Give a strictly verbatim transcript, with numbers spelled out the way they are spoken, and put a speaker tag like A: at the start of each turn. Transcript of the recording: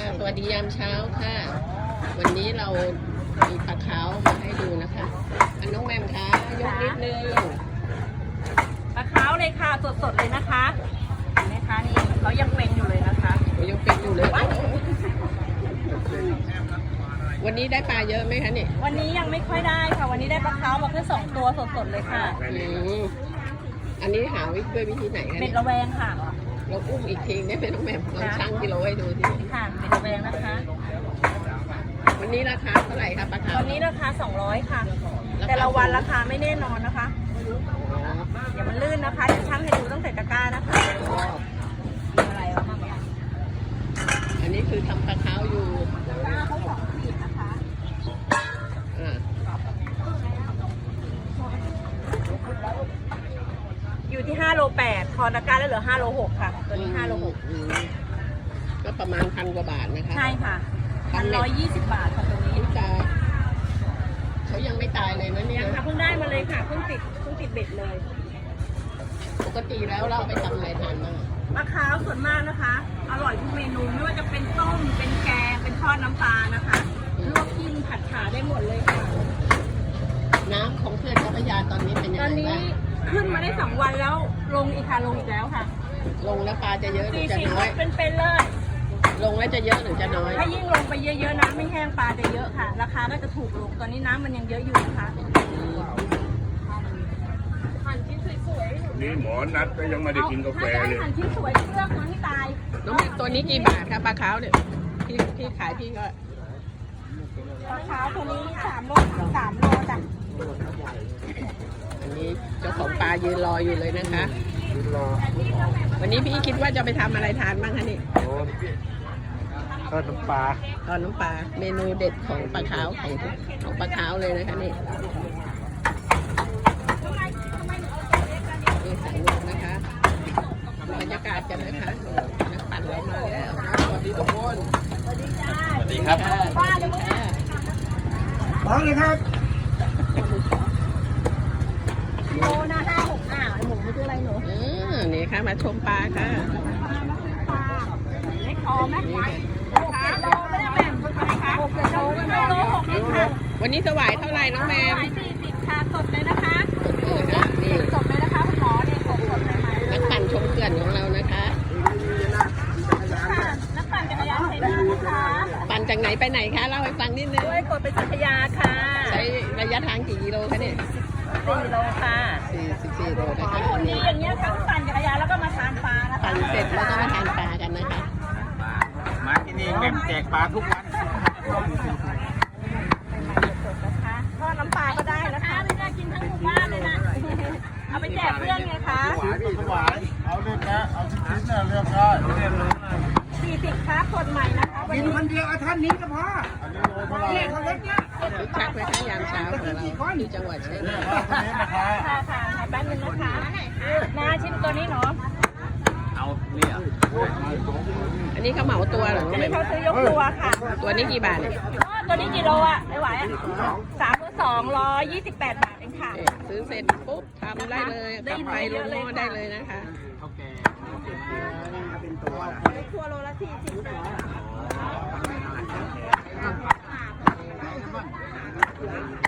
A: สวัสดียามเช้าค่ะ วันนี้เรามีปลาขาวมาให้ดูนะคะอันน้องแมมคะยกนิดนึง
B: ปลาขาวเลยค่ะสดๆเลยนะคะเห็นไหมคะนี่เขายังเป็นอยู่เลยนะคะ
A: ยังเป็นอยู่เลยวันนี้ได้ปลาเยอะไหมคะเนี่ย
B: วันนี้ยังไม่ค่อยได้ค่ะวันนี้ได้ปลาขาวมาแค่สองตัวสดๆเลยค่ะ
A: อันนี้หาวิธีด้วยวิธีไหนคะ
B: เบ็ดระแวงค่ะ
A: เราอุ้มอีกทีได้ไหมน้องแมมลองชั่งกิโลให้ดูสิ
B: ค่ะเบ็ดระแวงนะคะ
A: วันนี้ราคาเท่าไหร่คะปลาขาว
B: วันนี้ราคาสองร้อยค่ะแต่ละวันราคาไม่แน่นอนนะคะอย่ามันลื่นนะคะเดี๋ยวช่างให้ดูตั้งแต่ตะกร้านะคะอะไรวะมั่งเนี่ย
A: อันนี้คือทำปลาขาวอยู่
B: ตะกร้าเขาสองขีดนะคะ
A: อ่า
B: อยู่ที่ห้าโลแปดทอนตะกร้าแล้วเหลือห้าโลหกค่ะตัวนี้ห้าโลหก
A: ก็ประมาณพันกว่าบาทนะคะ
B: ใช่ค่ะพันร้อยยี่สิบบาทค่ะตัวนี้
A: จะเขายังไม่ตายเลยนะเนี่ย
B: ยังค่ะเพิ่งได้มาเลยค่ะเพิ่งติดเพิ่งติดเบ็ดเลย
A: ปกติแล้วเราไปทำอะไรทานบ้าง
B: มะขาวส่วนมากนะคะอร่อยทุกเมนูไม่ว่าจะเป็นต้มเป็นแกงเป็นทอดน้ำปลานะคะลวกกินผัดขาได้หมดเลยค่ะ
A: น้ำของเขื่อนเจ้าพระยาตอนนี้เป็นยังไงบ้างตอนนี้
B: ขึ้นมาได้สองวันแล้วลงอีกค่ะลงอีกแล้วค่ะ
A: ลงแล้วปลาจะเยอะหรือจะน้อย
B: เป็นๆเลย
A: ลงแล้วจะเยอะหรือจะน้อย
B: ถ้ายิ่งลงไปเยอะๆน้ำไม่แห้งปลาจะเยอะค่ะราคาก็จะถูกลงตอนนี้น้ำมันยังเยอะอยู่นะคะหั่นชิ้นสวย
C: ๆนี่หมอนัดก็ยังไม่ได้กินกาแฟเลย
B: หั่นชิ้นสวยเลือกมันให้ตาย
A: น้องตัวนี้กี่บาทครับปลาขาวเนี่ยที่ที่ขายพี่ก็
B: ปลาขาวตัวนี้สามโลสามโลจ้ะ
A: อันนี้เจ้าของปลายืนรออยู่เลยนะคะวันนี้พี่คิดว่าจะไปทำอะไรทานบ้างคะนี่
C: ทอดน้ำปลา
A: ทอดน้ำปลาเมนูเด็ดของปลาขาวของของปลาขาวเลยนะคะนี่นี่สายลมนะคะบรรยากาศกันนะคะนักปั่นเรามาแล้วสวัสดีทุกคน
B: สวัสดีจ้า
C: สวัสดีครับ
B: ป้าเลยมั้ง
C: พร้อมเลยครับ
B: โลนะห้าหกอ่าวหมูไม่ใช่อะไรหนู
A: อืมนี่ค่ะมาชมปลาค่ะ
B: เล็กคอไหมหกเจ็ดโลไม่ได้แบ่งคนไหนคะหกเจ็ดโลไม่โลหกเองค่ะ
A: วันนี้สวายเท่าไหร่น้องแมม
B: สี่สิบค่ะสดเลยนะคะ
A: สดเลยนะนี่
B: สดเลยนะคะคุณหมอเนี่ยสดสดเลยไหม
A: นักปั่นชมเขื่อนของเรานะคะ
B: นักปั่นจักรยานไทยนานะคะ
A: ปั่นจากไหนไปไหนคะเล่าให้ฟังนิดนึง
B: ด้วยกดไปจักรยานค่ะ
A: ใช้ระยะทางกี่กิโลคะเนี่ย
B: สี่โลค่ะ
A: สี่สิบสี่โลนะคะ
B: นี่อย่างเงี้ยทั้งปั่นจักรยานแล้วก็มาทานปลานะคะ
A: ปั่นเสร็จแล้วก็มาทานปลากันนะคะ
C: มาที่นี่แม่แจกปลาทุกวัน
B: ทอดน้ำปลาก็ได้นะคะไม่ได้กินทั้งหมู่บ้านเลยนะเอาไปแจกเพื่อนไงคะ
C: หวานเอาเล่นนะเอาชิ้นๆนะเลือกได้
B: สี่สิบครับสดใหม่นะคะ
C: กินคนเดียวเอาท่านนี้ก็พอเนี่ยเขาเล็กเนี่ย
A: คึกคักเลยค่ะยามเช้าของเราที่จังหวัดชัยนาท
B: ค่ะค่ะแป๊บนึงนะคะนาชิมตัวนี้เนาะ
C: เอาเนี่ย
A: อันนี้เขาเหมาตัวเหรอ
B: อันนี้เขาซื้อยกตัวค่ะ
A: ตัวนี้กี่บาทเนี่ย
B: ตัวนี้กี่โลอ่ะไม่ไหวอ่ะสามตัวสองร้อยยี่สิบแปดบาทเองค่ะ
A: ซื้อเสร็จปุ๊บทำได้เลยกลับไปลงหม้อได้เลยนะคะ
C: เขาแก่เป็นตัว
B: ตัวโลละสี่สิบ